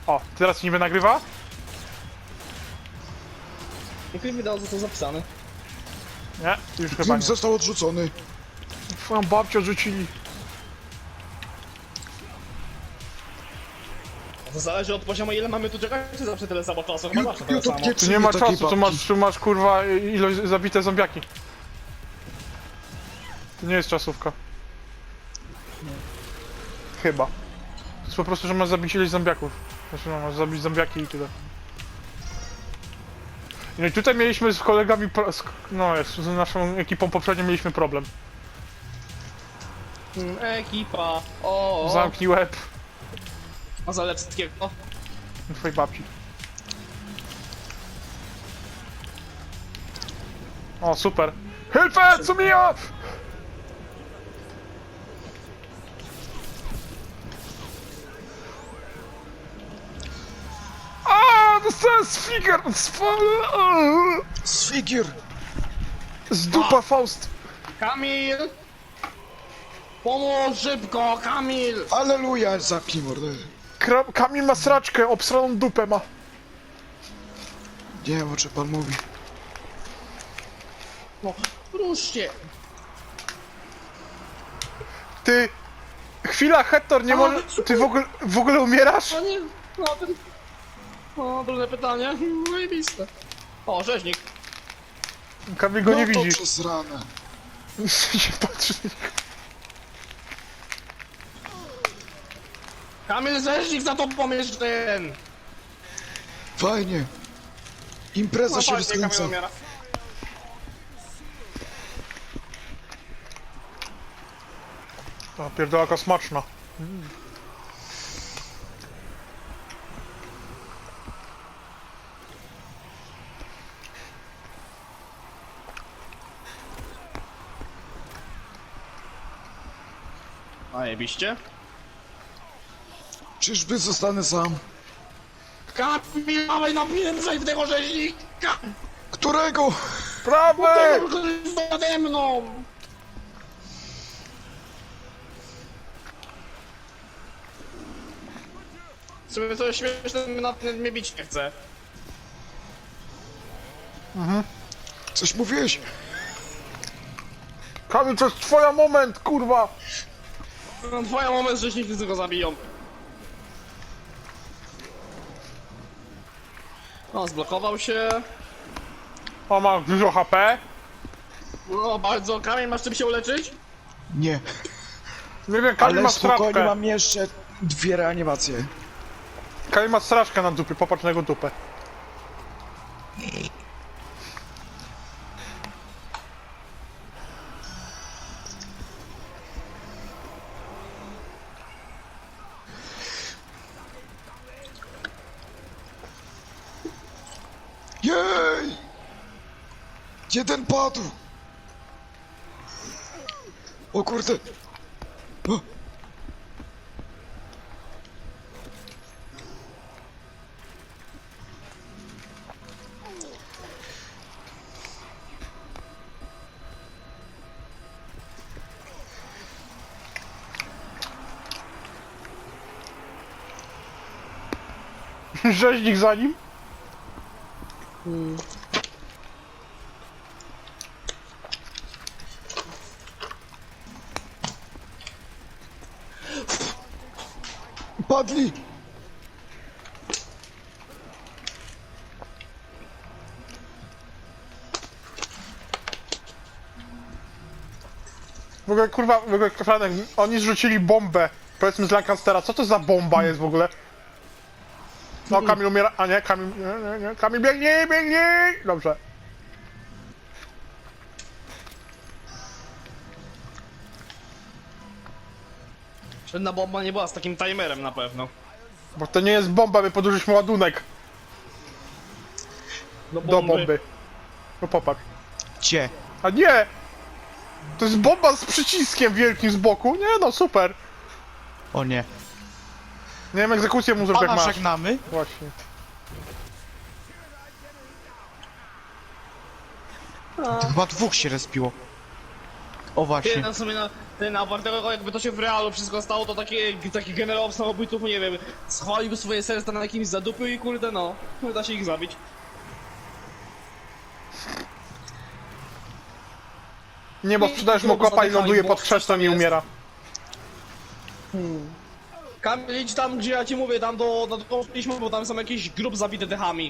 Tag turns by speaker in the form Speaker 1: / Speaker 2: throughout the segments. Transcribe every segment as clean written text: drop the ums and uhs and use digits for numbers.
Speaker 1: O, teraz niby nagrywa?
Speaker 2: Nikt mi dał za to zapisane.
Speaker 1: Nie, już chyba
Speaker 3: Film
Speaker 1: nie.
Speaker 3: został odrzucony.
Speaker 1: Twoją babcię rzucili.
Speaker 2: To zależy od poziomu, ile mamy tu czekać, czy zawsze tyle samo czasu? Chyba zawsze tyle samo.
Speaker 1: Tu nie ma czasu, tu masz kurwa ilość zabite zombiaki. To nie jest czasówka. Chyba. To jest po prostu, że masz zabić ileś zombiaków. Znaczy no, masz zabić zombiaki i tyle. No i tutaj mieliśmy z kolegami, z naszą ekipą poprzednio mieliśmy problem.
Speaker 2: Ekipa. O.
Speaker 1: Zamknij łeb
Speaker 2: A Zalewskiego.
Speaker 1: twojej babci. O, super. Hilfe, zu mir! A, dostałem
Speaker 3: Sfigier!
Speaker 1: z dupa Faust.
Speaker 2: Kamil! Pomóż szybko, Kamil!
Speaker 3: Aleluja, zapnij mordę.
Speaker 1: Kamil ma sraczkę, obsraną dupę ma.
Speaker 3: Nie wiem, o czym pan mówi.
Speaker 2: No, ruszcie!
Speaker 1: Ty... Chwila, Hector, nie może... Ty w ogóle umierasz?
Speaker 2: No nie, no ten... O, trudne pytanie. Zajebiste. O, rzeźnik.
Speaker 1: Kamil go nie
Speaker 3: No to
Speaker 1: widzi.
Speaker 3: przez ranę.
Speaker 1: się patrzy.
Speaker 2: Kamil, rzeźnik za tobą jest ten!
Speaker 3: Fajnie. Impreza się
Speaker 2: fajnie, Kamil
Speaker 3: rozkręca.
Speaker 2: umiera.
Speaker 1: A pierdolaka smaczna.
Speaker 2: Zajebiście.
Speaker 3: Czyżby zostanę sam?
Speaker 2: Kamil, dawaj napiętrzaj w tego rzeźnika!
Speaker 3: Którego?
Speaker 1: Prawy!
Speaker 2: Tego, który jest nade mną! Sobie coś śmieszne mnie bić nie chce.
Speaker 3: Coś mówiłeś?
Speaker 1: Kamil, to jest twoja moment, kurwa!
Speaker 2: No, twoja moment, że wszyscy go zabiją. O, zblokował się.
Speaker 1: O, ma dużo HP.
Speaker 2: No, bardzo. Kamil, masz czym się uleczyć?
Speaker 3: Nie.
Speaker 1: Nie wiem, Kamil
Speaker 3: Ale
Speaker 1: ma
Speaker 3: spokojnie,
Speaker 1: straszkę.
Speaker 3: mam jeszcze 2 reanimacje.
Speaker 1: Kamil ma straszkę na dupie, popatrz na jego dupę.
Speaker 3: Jej! Jeden padł! O kurde! O.
Speaker 1: Rzeźnik za nim.
Speaker 3: Padli!
Speaker 1: W ogóle, kurwa, Franek, oni zrzucili bombę. Powiedzmy z Lancastera, co to za bomba jest w ogóle? No, Kamil umiera, a nie, Kamil, nie, Kamil biegnie, biegnie! Dobrze.
Speaker 2: Żadna bomba nie była z takim timerem na pewno.
Speaker 1: Bo to nie jest bomba, my podłożyliśmy ładunek
Speaker 2: Do
Speaker 1: do bomby. No popatrz.
Speaker 3: Cie.
Speaker 1: A nie! To jest bomba z przyciskiem wielkim z boku. Nie no, super.
Speaker 4: O nie.
Speaker 1: Nie wiem, egzekucję mu zrób jak
Speaker 4: Pana
Speaker 1: masz.
Speaker 4: żegnamy.
Speaker 1: Właśnie.
Speaker 4: Chyba 2 się respiło. O właśnie.
Speaker 2: Jeden sobie Ty na tego, jakby to się w realu wszystko stało, to taki generał samobójców, nie wiem, schwaliłby swoje serca na jakimś zadupy i kurde no, da się ich zabić.
Speaker 1: Nie, bo sprzedajesz mu kopa i ląduje pod krzesłem i umiera.
Speaker 2: Kamil, idź tam, gdzie ja ci mówię, tam do szliśmy, bo tam są jakieś grup zabite dechami.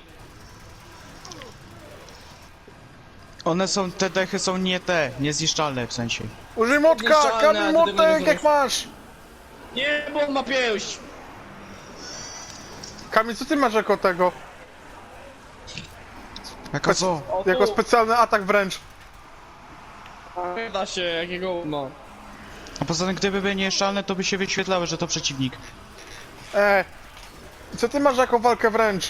Speaker 3: One są, te dechy są niezniszczalne w sensie.
Speaker 1: Użyj motka!
Speaker 2: Niezniszczalne,
Speaker 1: Kamil
Speaker 2: ale tego nie
Speaker 1: motek, jak
Speaker 2: zrobisz.
Speaker 1: masz!
Speaker 2: Nie, bo on ma pięść!
Speaker 1: Kamil, co ty masz jako tego?
Speaker 3: Jaka co?
Speaker 2: O, tu.
Speaker 1: Jako specjalny atak wręcz.
Speaker 2: Nie da się, jakiego, no.
Speaker 3: A poza tym, gdyby były nieszczalne, to by się wyświetlały, że to przeciwnik.
Speaker 1: Co ty masz jako walkę wręcz?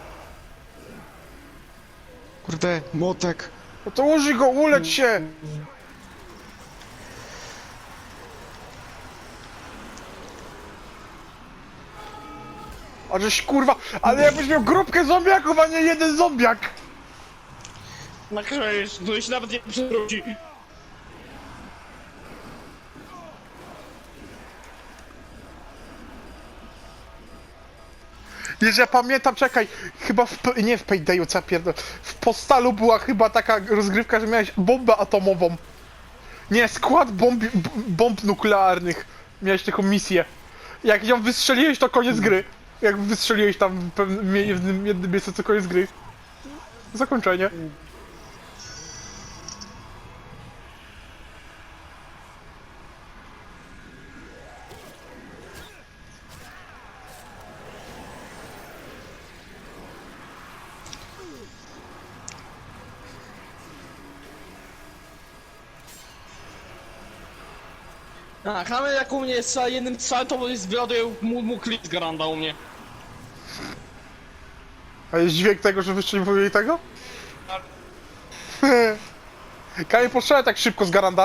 Speaker 3: Kurde, młotek.
Speaker 1: No to użyj go, ulecz się! A żeś kurwa, ale jakbyś miał grupkę zombiaków, a nie jeden zombiak!
Speaker 2: Nakryjesz, to się nawet nie przewróci.
Speaker 1: Jeżeli ja pamiętam, czekaj, chyba nie w Paydayu, co ja pierdolę, w Postalu była chyba taka rozgrywka, że miałeś bombę atomową. Nie, skład bomb nuklearnych. Miałeś taką misję. Jak ją wystrzeliłeś, to koniec gry. Jak wystrzeliłeś tam w pewnym jednym miejscu, to koniec gry. Zakończenie.
Speaker 2: A, Kamil jak u mnie strzela jednym strzałem, to wyładuje mu klip z Garanda u mnie.
Speaker 1: A jest dźwięk tego, że wystrzeliwuje tego?
Speaker 2: Tak.
Speaker 1: Kamil, postrzelaj tak szybko z Garanda.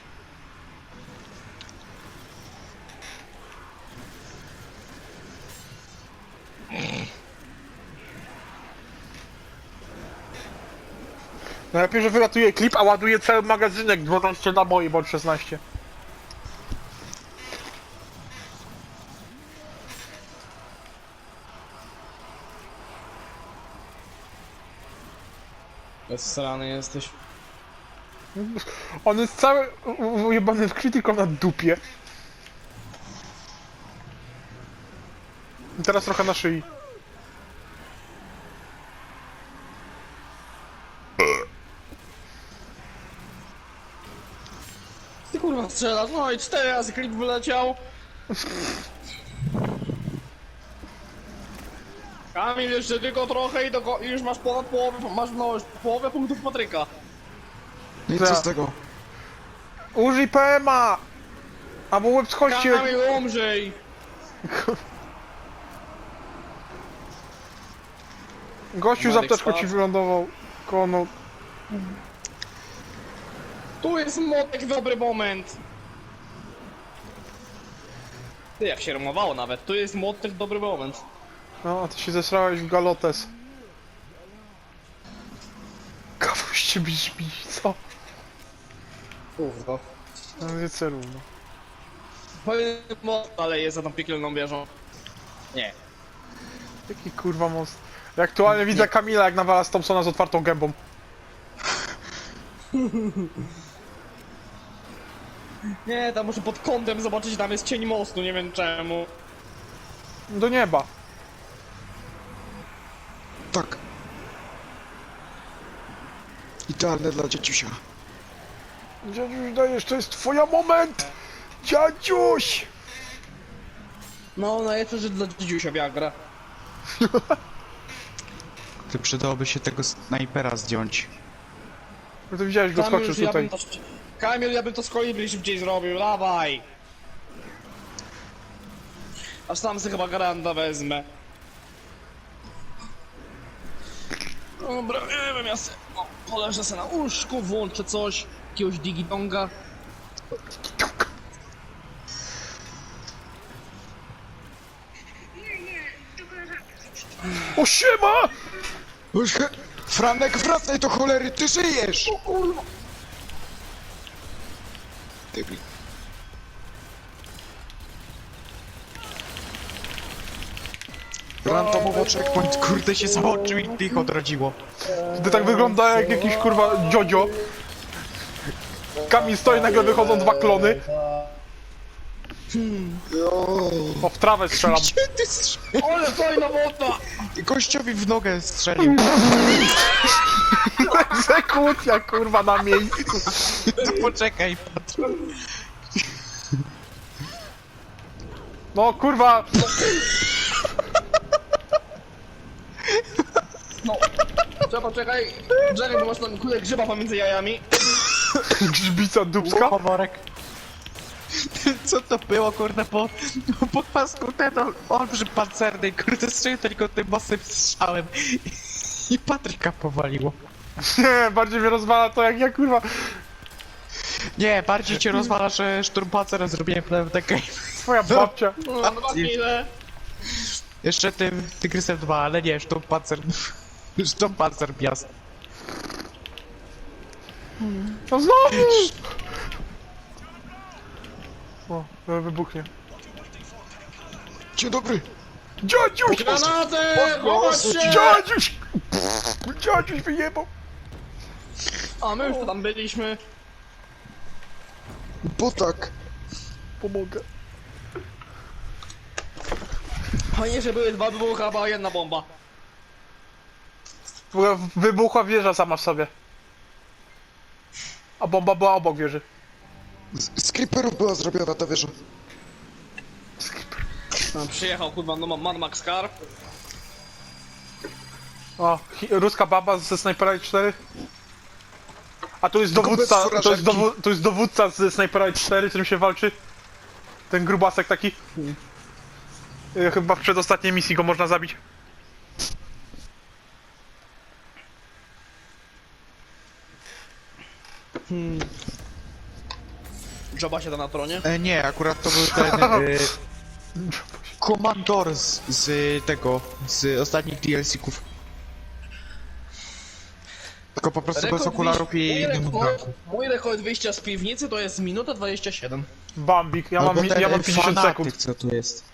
Speaker 1: Najlepiej, że wylatuje klip, a ładuje cały magazynek 12 naboi, bądź 16.
Speaker 2: Bezstrany jesteś.
Speaker 1: On jest cały ujebany w krytyką na dupie. I teraz trochę na szyi.
Speaker 2: Ty kurwa strzelasz, no i 4 razy klip wyleciał. Kamil, jeszcze tylko trochę i już masz ponad połowę, połowę punktów Patryka.
Speaker 3: No i
Speaker 1: Co?
Speaker 3: co z tego?
Speaker 1: Użyj PMA! Albo łeb z kości.
Speaker 2: Kamil, umrzyj!
Speaker 1: Gościu z
Speaker 2: Marek
Speaker 1: apteczką ci
Speaker 2: spadł.
Speaker 1: wylądował. Kono.
Speaker 2: Tu jest młotek, dobry moment. Ty, jak się rymowało nawet, tu jest młotek, dobry moment.
Speaker 1: No, a ty się zesrałeś w galotes. Kawuś cię brzmi, co?
Speaker 2: Kurwa.
Speaker 1: No nie celuj, no.
Speaker 2: Powiem most, ale jest za tą piekielną wieżą. Nie.
Speaker 1: Jaki kurwa most. Ja aktualnie widzę Kamila, jak nawala z Thompsona z otwartą gębą.
Speaker 2: Nie, tam muszę pod kątem zobaczyć, tam jest cień mostu, nie wiem czemu.
Speaker 1: Do nieba.
Speaker 3: Tak. Idealne dla dzieciusia.
Speaker 1: Dziadziuś, dajesz, to jest twoja moment! Dziadziuś!
Speaker 2: No, najlepsze, że dla dzidziusia Viagra.
Speaker 3: Ty przydałoby się tego snajpera zdjąć.
Speaker 1: No to widziałeś, go skoczył tutaj.
Speaker 2: Kamil, ja bym to z kolibri szybciej zrobił, dawaj! Aż sam sobie chyba Garanda wezmę. Dobra, nie wiem, ja se... O, poleżę se na łóżku, włączę coś, jakiegoś digitonga.
Speaker 1: O siema!
Speaker 3: Franek, wracaj do cholery, ty żyjesz!
Speaker 2: O kurwa!
Speaker 3: Debil. Randomowo checkpoint, kurde się załączył i tych odrodziło.
Speaker 1: Gdy tak wygląda jak jakiś kurwa dziodzio. Kamil stoi, nagle wychodzą dwa klony. O, w trawę strzelam.
Speaker 3: Gdzie ty strzelił?
Speaker 2: Ale fajna woda!
Speaker 3: Gościowi w nogę strzelił.
Speaker 1: Egzekucja kurwa na miejscu.
Speaker 3: To poczekaj, patrz.
Speaker 1: No kurwa.
Speaker 2: No. Trzeba czekaj, Jerry, bo masz tam kulę grzyba pomiędzy jajami.
Speaker 1: Grzbica dubska.
Speaker 3: Komorek. Co to było, kurde, po pasku ten olbrzym pancerny, kurde, strzelił tylko tym mocnym strzałem i Patryka powaliło.
Speaker 1: Nie, bardziej mnie rozwala to jak ja kurwa.
Speaker 3: Nie, bardziej cię rozwala, że szturmpancerem zrobiłem PWDK.
Speaker 1: Twoja babcia.
Speaker 2: No, dwa kile.
Speaker 3: Jeszcze tym Tygrysem 2, ale nie, szturmpancer. Szturmpancer piast.
Speaker 1: No znowu! O, wybuchnie.
Speaker 3: Dzień dobry.
Speaker 1: Dziadziuś!
Speaker 2: Granaty! Chować się!
Speaker 1: Dziadziuś! Dziadziuś wyjebał!
Speaker 2: A my już tam byliśmy.
Speaker 3: Bo tak.
Speaker 1: Pomogę.
Speaker 2: Fajnie, że były dwa wybuchy, a była jedna bomba.
Speaker 1: W ogóle wybuchła wieża sama w sobie. A bomba była obok wieży.
Speaker 4: Z creeperów była zrobiona ta wieża.
Speaker 2: No, przyjechał kurwa, no Mad Max Car.
Speaker 1: O, ruska baba ze Snipera 4. A tu jest
Speaker 4: Tylko
Speaker 1: dowódca,
Speaker 4: bez
Speaker 1: to jest dowódca ze Snipera 4, którym się walczy. Ten grubasek taki. Chyba w przedostatniej misji go można zabić.
Speaker 2: Joba się da na tronie.
Speaker 3: Nie, akurat to był ten... Komandor z tego, z ostatnich DLC-ków. Tylko po prostu bez okularów i...
Speaker 2: Mój rekord wyjścia z piwnicy to jest minuta 27.
Speaker 1: Bambik, ja mam 50 sekund.
Speaker 3: co tu jest.